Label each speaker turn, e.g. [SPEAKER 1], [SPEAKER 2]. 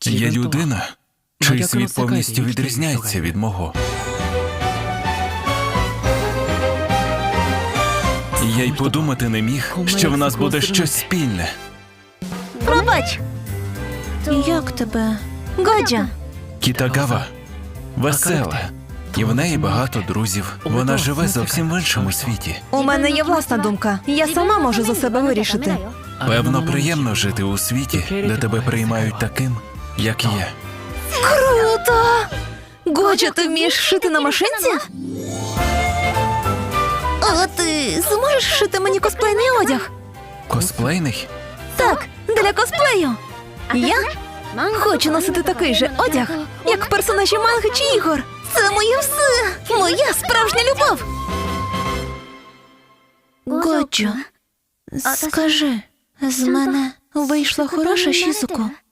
[SPEAKER 1] Є людина, чий світ повністю відрізняється від мого. Я й подумати не міг, що в нас буде щось спільне.
[SPEAKER 2] Пробач! Як тебе? Годжа!
[SPEAKER 1] Кітагава весела, і в неї багато друзів. Вона живе зовсім в іншому світі.
[SPEAKER 2] У мене є власна думка. Я сама можу за себе вирішити.
[SPEAKER 1] Певно, приємно жити у світі, де тебе приймають таким, як є.
[SPEAKER 2] Круто! Годжа, ти вмієш шити на машинці? А ти зможеш шити мені косплейний одяг?
[SPEAKER 1] Косплейний?
[SPEAKER 2] Так, для косплею. Я хочу носити такий же одяг, як персонажі манги чи ігор. Це моє все! Моя справжня любов! Годжо, скажи, з мене вийшла хороша Шізуко?